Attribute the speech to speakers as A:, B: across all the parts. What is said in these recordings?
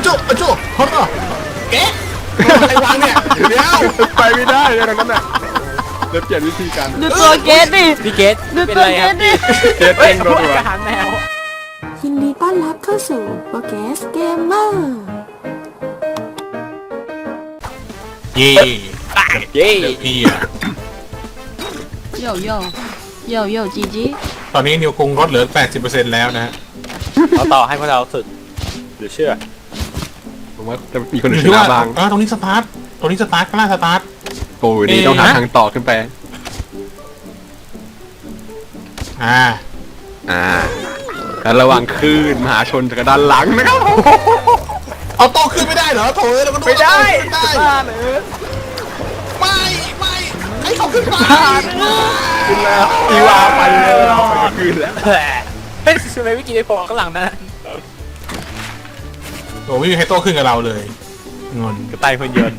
A: จุฮอตเก๊ะใครวางเนี่ยเดี๋ยว
B: ไปไม่ได้เลยตรงนั้นน่ะเดี๋ยวเปลี่ยนวิธีการ
C: ดูตัวเกตดิ
D: พี่เกต
C: ดู
D: เป็น
C: ตัว
D: ไร
C: เก
D: ครับ
C: ตดิ
B: เจ็ดเองโดนหัว
D: อาหารแมว
E: ยินดีต้อนรับเข้าสู่โปรแกสเกมเมอร์
A: เย่
D: เย้
A: พี่อะ
C: โยโย่โยโย่จีจี
A: ตอนนี้นิวคงลดเหลือ 80%แล้วนะฮะ
D: เราต่อให้พวกเราสุดหรือเชื่อ
B: ผมว่าจะมีคน
A: อ
B: อื่
A: ยู่
B: นช
A: ที่
B: นะ
A: ว่า
B: บ้าง
A: ตรงนี้สตาร์ทตรงนี้สตาร์ทข้างล่างสตาร์ท
B: โอ้ยนี่ต้องหาทางต่อขึ้นไป
A: อ่า
B: แล้วระวังคลื่นมหาชนจากด้านหลังนะครับ
A: เอาโต๊ะขึ้นไม่ได้เหรอโถเราก็ดู
B: ไม่ได้
A: ไม่ได้
B: บ้าเลย
A: ไม่ให้เขาขึ้นมา
B: ขึ้นแล้วอีวาไปแล้วไปขึ้นแล้ว
D: เฮ้ยทำไมไม่กินไอ้พอข้างหลังนะ
A: โอ้ไม่มีใครโต๊ะขึ้นกับเราเลยงอน
D: กระต่ายคนเยิน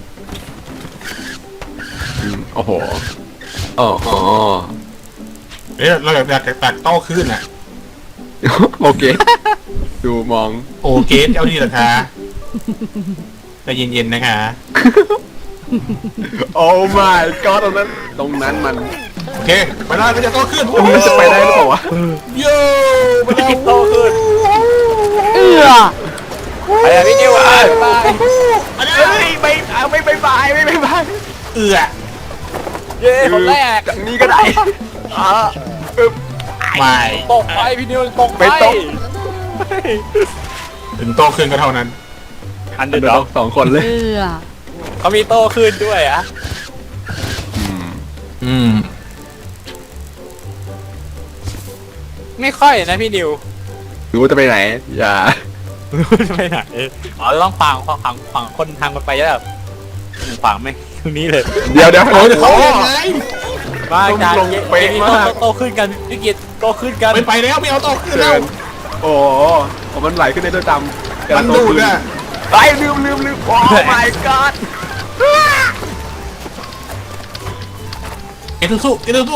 B: โอ้โหอ๋อ
A: เอ้ยเราอยากตักโต๊ะขึ้นอ่ะ
B: โอเคดูมอง
A: โอเคเอาดีเหรอคะใจเย็นๆนะคะ
B: โอ้ my god ตรงนั้นมัน
A: โอเคไปได้ก็จะโต๊ะขึ้น
B: ตรงนี้จะไปได้หรือเปล่าวะ
A: โย่ไปแล้ว
D: กินโตขึ้น
C: เอื้อ
D: ไปแล้วพี่นิวไปไป
B: เฮ้ยไม่ไปบาย
A: เอือ
D: เย้คนแรก
B: จากนี้ก็ได้ปึ๊บ
A: ไม่
D: ตกไปพี่นิวตกไป
B: ไม่ตก
A: ถึงโต๊ะขึ้นก็เท่านั้น
D: อันเด
B: เดี๋
D: อ
B: ยว
D: ร์ด็อก
B: สองคนเลย
C: เอื้อ
D: เขามีโตขึ้นด้วยอะ
A: อืม
D: ไม่ค่อยนะพี่นิว
B: รู้จะไปไหน อย่า
D: จะไปไหนอ๋อต้องฝังคนทางมันไปแล้วแบบฝังไหมตรงนี้เลย
B: เดี๋ยว
A: โอ้ยเขายังไง
D: มาจาก
B: ลง
D: เย้
B: เป๊ะมาก
D: โตขึ้นกันพี่กิตโตขึ้นกัน
A: ไม่ไปแล้วไม่เอาโต๊ะขึ้นแล้ว
B: โอ้มันไหลขึ้นในตัวจำ
A: มันดูดอ่ะ
B: ไปลืมโอ้ my god
A: เกตุสุ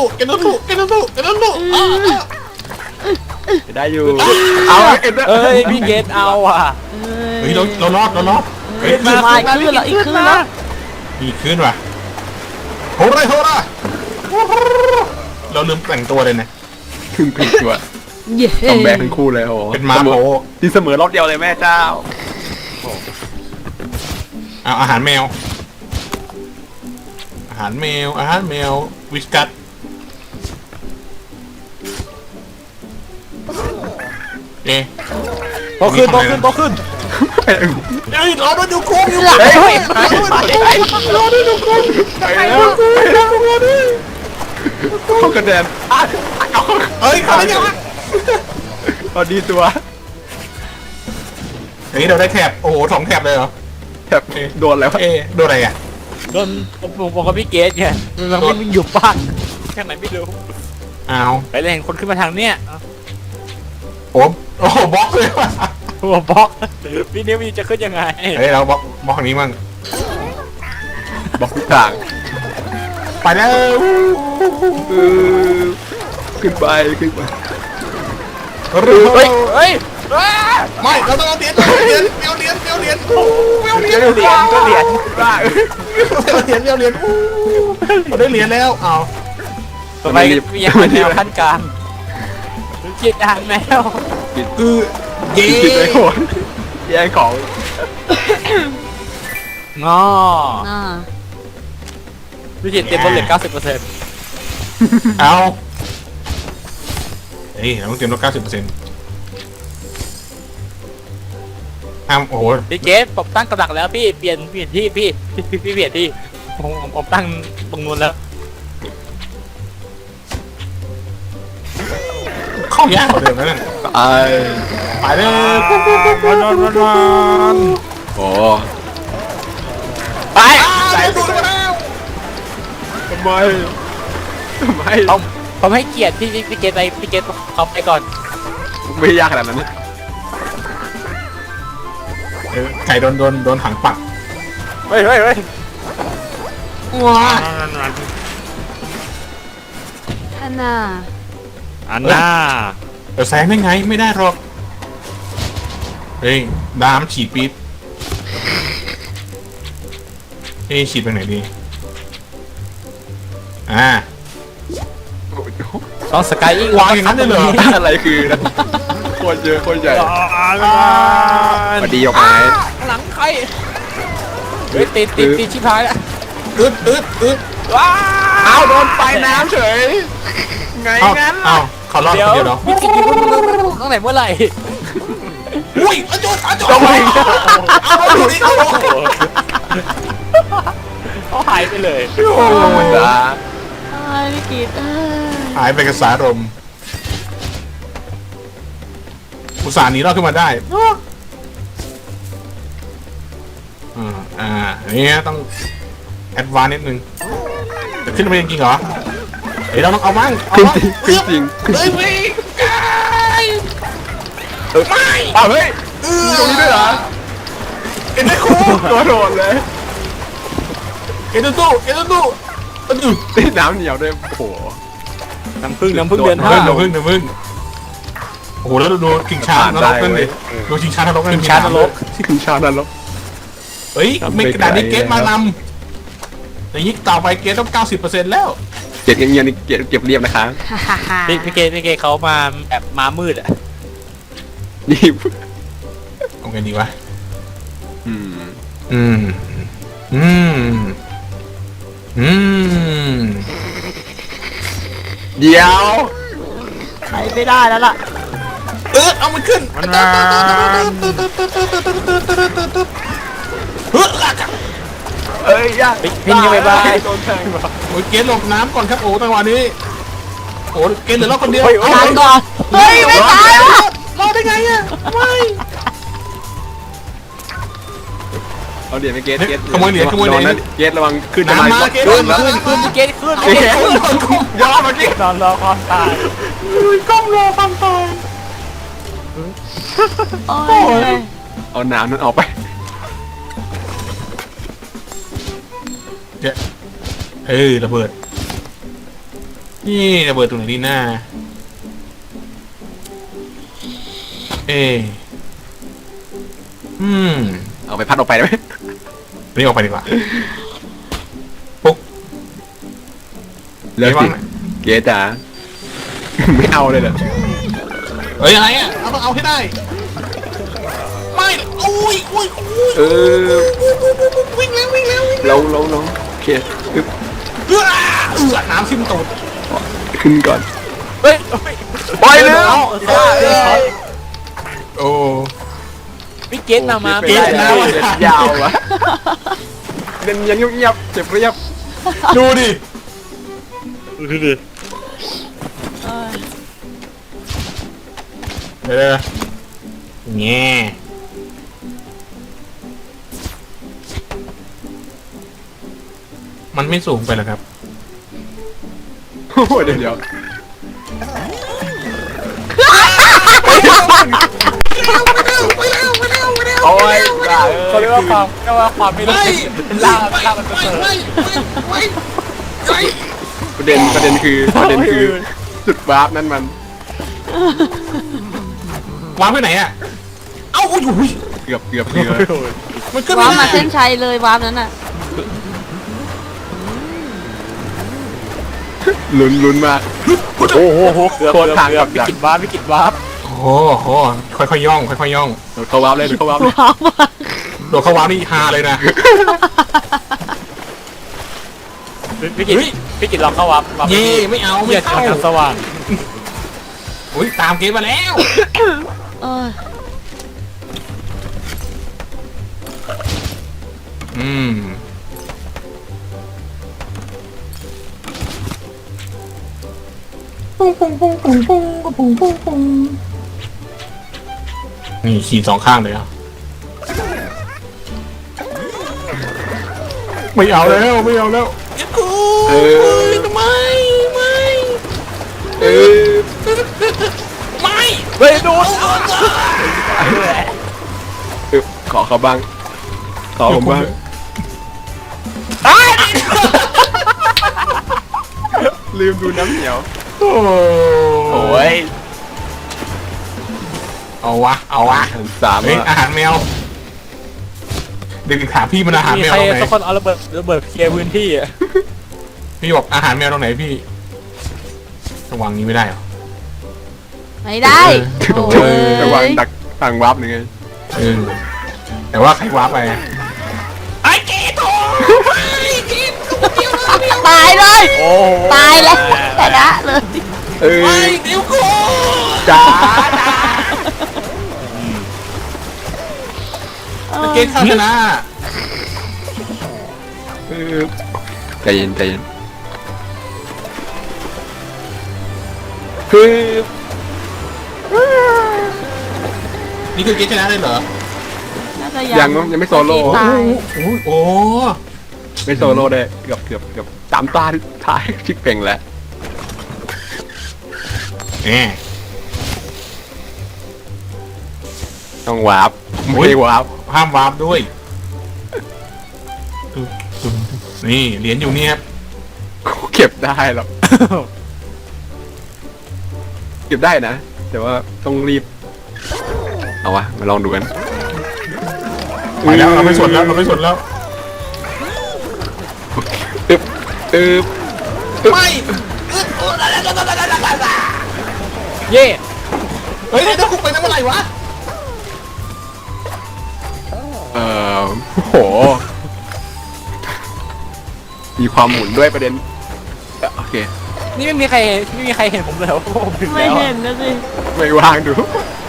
B: ได้อยู่ เอาเอ็น
D: เอ้ยพี่เกตเอาอ่ะ
A: เฮ้ยเรารอดเฮ้ย
C: มาอีกขึ้นแล้วอีกขึ้นแล้ว
A: มีขึ้นว่ะโหระเราลืมแต่งตัวเลยนะ
B: ถึงตัว
C: เย้
B: ต้องแบกทั้งคู่เลยโอ้
A: เป็นม้าโผ
B: ที่เสมอรอบเดียวเลยแม่เจ้า
A: เอาอาหารแมววิสกัสเอ๊ะ
D: โตขึ้น
A: เฮ้ยรอด้วยดูคุ้มอยู่
B: เฮ้ย
A: รอด้วยดูคุ้ม
B: ไปแล้วเข้ากระเด็น
A: เฮ้ยเขาได้ยัง
B: พอดีตัว
A: เฮ้ยเราได้แถบโอ้โห2แถบเลยเหรอ
B: แทบโดนแล้ว
A: เอ๊ะโดนอะไรอ่ะ
D: โดนผมกับพี่เกตไงมันไม่อยู่บ้านแค่ไหนไม่รู้
A: อ้าว
D: ไปเลยเห็นคนขึ้นมาทางเนี้ย
A: โอ้โหบล็อกเลยว่ะ
D: หัวบล็อกพี่นิวจะขึ้นยังไง
A: เฮ้ยเราบล็อกทางนี้มั่ง
B: บอกทุกทาง
A: ไปแล้ว
B: ขึ้นไป
A: เฮ้ย ไม่เราต้องเอาเหรียญเราได้เหรียญแล้วเอา
D: ต่อไปมีอาหารแมวขั้นกลางกินอาหารแมว
A: คือเย่
B: ผิดเลยโหดแย่งของ
D: งอ
C: อ่า
D: พี่เกตเต็มบนเหลือ 90%
A: เอาเฮ้ยเราต้องเตรียมลด 90%โอ้โห
D: พี่เกตผมตั้งกำลังแล้วพี่เปลี่ยนที่พี่เปลี่ยนที่ผมตั้งตรงนู้นแล้ว
A: เข้ายากกว่าเดิมแล้วนั่น ไปเลยนอน
B: โอ้
D: ไป
A: ใส่ดูดมาแล้ว
B: ทำไม
D: ผมให้เกียรติพี่เกตไปพี่เกตเขาไปก่อน
B: ไม่ยากขนาดนั้น
A: ไก่โดนถังปัก
D: เฮ้ย
A: ว้า
C: อันน่ะ
D: อันน่า
A: เดี๋ยวแซงได้ไงไม่ได้หรอกเฮ้ยดามฉีดปี๊ดฉีดไปไหนดีอ่า
D: ต้องสกายอีก
A: วางอย่างนั้นได้เหรอ
B: อะไรคือนะโคตรเยอะโคตรใหญ่พอดีออกมา
D: หลังใครเฮ้ยติดชิบหายแล้ว
A: อึด
D: ว้า
B: เอาโดนไฟน้ำเฉยไง
A: เอ้า
B: งั้น
A: เอ้าเขารอดคนเดียวเหรอ
D: พี่กินอยู่ตั้งแต่เมื่อไหร่
A: อุ้ยอาจุด
B: ต้องไป
A: เอาดูดิเอาดูดิ
D: เขาหายไปเลย
B: โอ้ธรรมดา
C: พี่กิต
A: หายไปกับสารมอุตส่าห์หนีรอดขึ้นมาได้นี่ต้องแอดวานซ์นิดนึงจะขึ้นไปจริงๆเหรอเฮ้ยเราต้องเอาบ้างเอา
B: ขึ้น
A: บ้าง
B: จริงขึ้นจริง
A: เฮ้ยไม่
B: อ้าวเฮ้ยตรงนี้ด้วยเหรอ
A: เอ็นได้คู
B: ตัวโดดเลย
A: เอ็นตู้
B: น้ำเหนียวด้วยโอ้โห
D: น้ำพึ่งเดือน
A: เดี๋
D: ห้า
A: ยวพึ่งโอ้โหแล้วดูชิงช้านรกนั่นดิดูชิงช้านรกนั่น
D: ชานรก
B: ที่คุณชาดันลบ
A: เฮ้ยไม่กระดาษนี้เกตมานำอย่างนี้ต่อไปเกตต้อง 90% แล้ว
B: เก็บเงียบๆนี่เก็บเรียบนะคะ
D: พี่เกเขามาแบบมามืดอ่ะ
B: นี่
A: เอาไงดีวะ
B: อืม
A: อืม
B: เดี๋ยว
C: ไปไม่ได้แล้วล่ะ
A: เอามันขึ้น
B: เอ้ยยาก
D: พี่ยังไม่บาย
B: โดนแทงว่ะ
A: โอ้ยเกตหลบน้ำก่อนครับโอ้จังหวะนี้โอ้เกตเหลือเราคนเดียว
C: ตายก่อนเฮ้ยไม่ตายแล้ว
A: รอดได้ไงอ่ะไม่
B: เอาเหรียญไปเกตเกต
A: ขโมยเหรียญ
B: ระวังนะเกตระวังขึ้นจะมา
A: น้ำมาเกต
B: ขึ้นแล้ว
D: ขึ้นพี่เกขึ้น
B: เกตยอมมาเกต
D: นอนรอความตาย
A: ก้มรอความตาย
C: โอ้ย
B: เอาน้ำนั้นออกไป
A: เจ๊ระเบิดนี่ระเบิดตรงไหนดีหน้า
B: เอาไปพัดออกไปได้ไหม
A: นี่ออกไปดีกว่าปุ๊ก
B: เลิกสิเกตจ๋าไม่เอาเลยเหรอ
A: เฮ้ยอะไรอ่ะเราต้องเอาให้ได้ไม่อุ้ย
B: เออ
A: วิ่งแล้ว
B: ลงโอเคปึ๊บ
A: น้ำทิ่มตูด
B: ขึ้นก่อน
D: เฮ้ย
B: ปล่อยเลย
A: โอ้
D: พี่เกตมา
B: เกตยาววะเดินยังเงียบเจ็บเรียบ
A: ดูดิ แง่มันไม่สูงไปหรอครับ
B: โอ้เดี๋ยวโอ้ย
D: เขาเรียกว่าความไม่รู้ล่ามันเสริม
B: ประเด็นคือจุดวาร์ปนั่นมัน
A: วางไปไหนอ่ะเอ้าโอ้ย
B: เกือบ
A: มันขึ้น
C: วา
A: ไม่
C: ร์ปมา
A: ได้
C: เส้นชัยเลยวาร์ปนั้นน่ะ
B: ลุ้นมากโอ้โหโคตรทางกับ
D: วิ
B: ดัก
D: กฤตวาร์ปวิกฤตวาร์ป
A: โอ้โหค่อยๆย่อง
B: เขาวาร์ปเลยเขาวาร์ปเลย
C: วาร์ปมา
A: โดดเข้าวางนี่ฮาเลยนะ
D: วิกฤตลองเข้าวาร์ป
A: เย่ไม่เอาไม่
D: เกียร
A: เข้า
D: ทางสว่าง
A: อุ้ยตามเกมมาแล้ว
C: เออ
A: นี่ขี่สองข้างเลยอ่ะไม่เอาแล้ว
B: เออ
A: ไม่
B: เออ
D: เฮ้ยโดน
B: ขอเขาบ้างขอผมบ้างลืมดูน้ำเหนียว
A: โอ้
B: โอ้ย
A: เอาวะ
B: สาม
A: เฮ้ยอาหารแมวเด็กๆถามพี่มันอาหาร
D: มี
A: แมว
D: ใคร
A: ตรงไหน
D: สักคนเอาระเบิดเคลียร์พื้นที่อะ
A: พี่บอกอาหารแมวตรงไหนพี่ระวังนี้ไม่ได้เหรอ
C: ไม่ได้
A: โอ้
C: โอ้
A: ย
B: ระวัง
C: ย
B: ดักต่างวับหนึ่งไง
A: เออแต่ว่าใครว้าไป
C: ตายเลย
D: โอ้โห
C: ตายแล้วชนะเลย
B: เออ
A: เดี๋ยวกู
B: จ้า
A: เกมข้าชนะ
B: เออใจเย็นใจเย็นคือ
A: นี่คือเกมชนะเลยเหรอ
C: น่าจะ
B: ยังไม่โซโล่
C: ตาย
A: โอ้
B: ไม่โซโล่ได้เกือบสามตาท้ายชิกเป่งแล้ว
A: แหม
B: ต้องวาร์ปไม่ได้วาร์ป
A: ห้ามวาร์ปด้วยนี่เหรียญอยู่นี่ครับ
B: เก็บได้หรอกเก็บได้นะแต่ว่าต้องรีบเอาวะมาลองดูกัน
A: ไปแล้วเราไม่สนแล้วเราไม่สนแล้ว
B: ตึ๊บตึ๊บ
A: ไม่
D: เย่
A: เฮ้ยถ้าคุกไปตั้งเมื่อไหร่วะ
B: โอ้โหมีความหมุนด้วยประเด็นโอเค
D: นี่ไม่มีใครเห็นผมเลยว่าผมถึง
C: ไม่
D: แล้ว
C: เห็นนะสิ
B: ไม่ว่างดู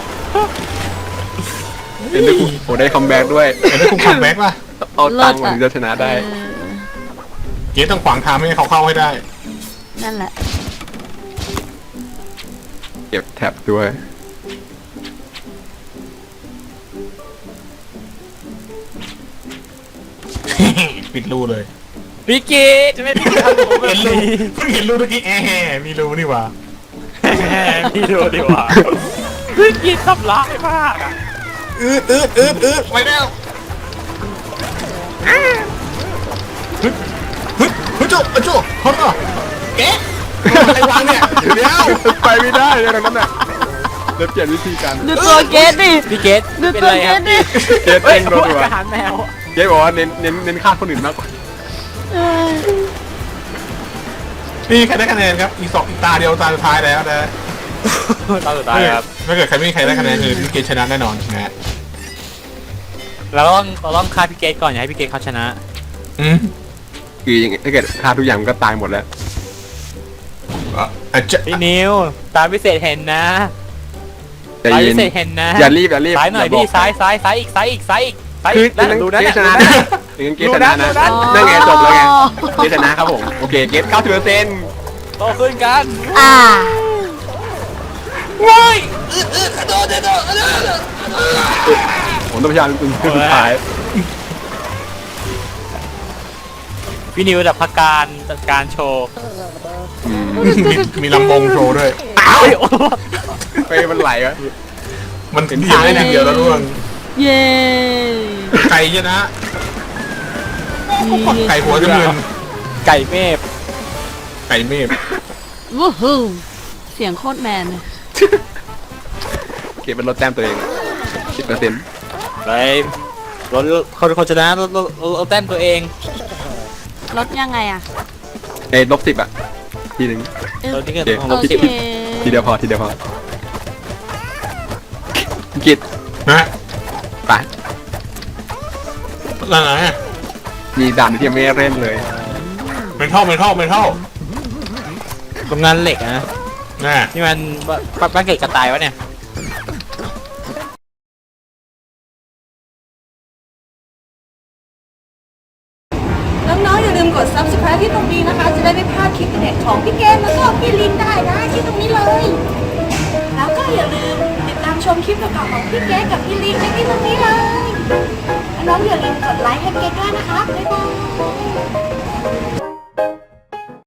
B: เห็นได้คุณโอ้ได้คัมแบ็กด้วย
A: เห็นได้คุกคัมแบ็กป่ะ
B: เอาตังค์มันจะชนะได้
C: เออ
A: เกมต้องขวางทางไม่ให้เขาเข้าให้ได้
C: นั่นแหละ
B: เก็บแท็บด้วย
A: ปิดรูเลย
D: พี่เกดจะไม่พี่ทำผมแบ
A: เห็
D: บ
A: นรู
D: นี้
A: เพิ่งเห็นรูเมื่อกี้มีรูนี่หว่า
D: พี่ดูดีกว่าพี่เกดทำร้ายมากอะ
A: อืดไปแล้วฮึโจฮอตเก๊ไอ้วางเนี่ยเดี๋ยว
B: ไปไม่ได้เลยตรงนั้นน่ะเดี๋ยวเปลี่ยนวิธีการ
C: ดูตัวเกตดิ
D: พี่เกด
C: ดู
D: เป็น
C: ตัว
D: ไร
C: เก
D: ครับ
C: ตดิ
B: เกต
D: เฮ้
B: เต้
D: ย
B: นรัว
D: อาหารแมว
B: ๆเกตบอกว่าเน้นฆ่าคนอื่นมากกว่า
C: เออ
A: นี่ใครได้คะแนนครับอีกตาเดียวตาสุดท้ายแล้วนะ
D: ตอนสุดท้ายครับ
A: ถ้าเกิดใครไม่มีใครได้คะแนนคือพี่เกมชนะแน่นอนนะฮะ
D: เราต้องฆ่าพี่เกดก่อนอย่าให้พี่เกดเขาชนะ
A: อืม
B: คือยังไงถ้าเกิดฆ่าทุกอย่างมันก็ตายหมดแล้ว
A: จะ
D: พี่นิวตามพิเศษเห็นนะ
B: ใจ
D: ตาม
B: เย็
D: พิ
B: น
D: เศษเห็นนะ
B: อย่ารีบ
D: ซ้ายหน่อย
B: บ
D: ดิ
B: ก
D: ซ้ายอีก
B: คือ
D: แล้วดูนะ
B: เก
D: เนี่ย
B: ตชนะนะถึงเกตชนะนะนั่นไงจบแล้วไงเกตชนะครับผมโอเคเกต90%
D: โตขึ้นกัน
C: อ่า
B: ผมต้องพยายามเป็นสุดท้าย
D: พี่นิวจัดการโชว์
A: มีลำบงโชว์ด้วย
B: ไปมันไหลวะ
A: มันถึงเดียวได้ทีเดียวแล้วร่วง
C: เย้
A: ไก่ชนะไก่หัวจมูก
D: ไก่เมฟ
A: ไก่เมฆ
C: วู้ฮู้เสียงโคตรแมนเลย
B: เกตมันลดแต้มตัวเอง10%
D: ไปรถคนชนะรถแต้มตัวเอง
C: ลดยังไงอ่ะ
B: ใน-10อ่ะทีหนึ่ง
D: รถที่เกิดของ
C: โอ
D: รถ
C: เค
D: สิบ
B: ทีเดียวพอกิด
A: นะ
B: ไป
A: นั่นไง
B: มีด่านที่ยังไม่เล่นเลย
A: เป็นท่อ
D: โรงงานเหล็กนะ
A: น่ะ
D: นี่มันบ้านเกิดกระต่ายวะเนี่ย
E: น้องๆอย่าลืมกด subscribe ที่ตรงนี้นะคะ จะได้ไม่พลาดคลิปเด็ดของพี่เกมแล้วก็พี่ลินได้นะที่ตรงนี้เลย แล้วก็อย่าลืมติดตามชมคลิปเก่าๆของพี่เกมกับพี่ลินได้ที่ตรงนี้เลยน้องๆอย่าลืมกดไลค์ให้เกมด้วยนะคะบ๊ายบาย